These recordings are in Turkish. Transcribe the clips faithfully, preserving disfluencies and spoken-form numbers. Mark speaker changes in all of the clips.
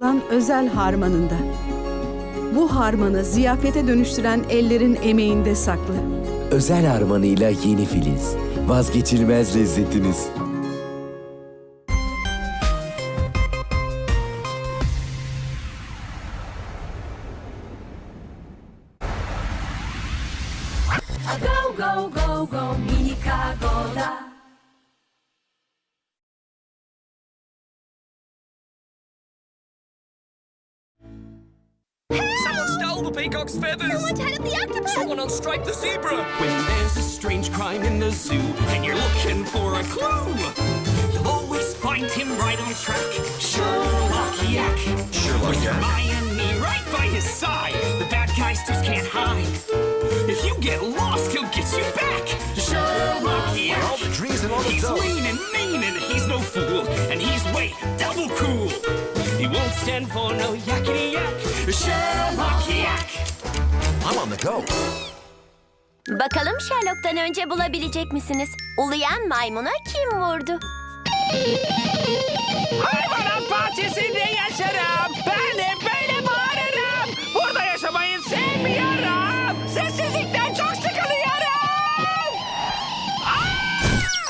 Speaker 1: özel harmanında. Bu harmanı ziyafete dönüştüren ellerin emeğinde saklı.
Speaker 2: Özel harmanıyla yeni Filiz. Vazgeçilmez lezzetiniz.
Speaker 3: Go, go, go, go, minika goda.
Speaker 4: Someone stole the peacock's feathers!
Speaker 3: Someone tied up the octopus!
Speaker 4: Someone unstriped the zebra! When there's a strange crime in the zoo and you're looking for a clue, you'll always find him right on track. Sherlock Yak. Sherlock With Hermione right by his side, the bad guys just can't hide. If you get lost, he'll get you back. Sherlock Yak.
Speaker 5: All the dreams and all the
Speaker 4: He's
Speaker 5: dough.
Speaker 4: lean and mean and he's no fool, and he's way double cool. He won't stand for no yakety yak. Sherlock Yak.
Speaker 5: I'm on the go.
Speaker 6: Bakalım Sherlock'tan önce bulabilecek misiniz? Uluyan maymuna kim vurdu?
Speaker 7: Hayvanat bahçesinde yaşarım. Ben de böyle bağırırım. Burada yaşamayı sevmiyorum. Sessizlikten çok sıkılıyorum. Aa!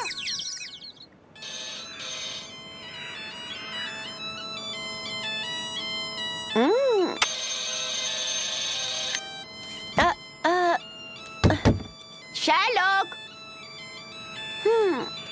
Speaker 6: Hmm. Aa, aa, Sherlock. Hmm.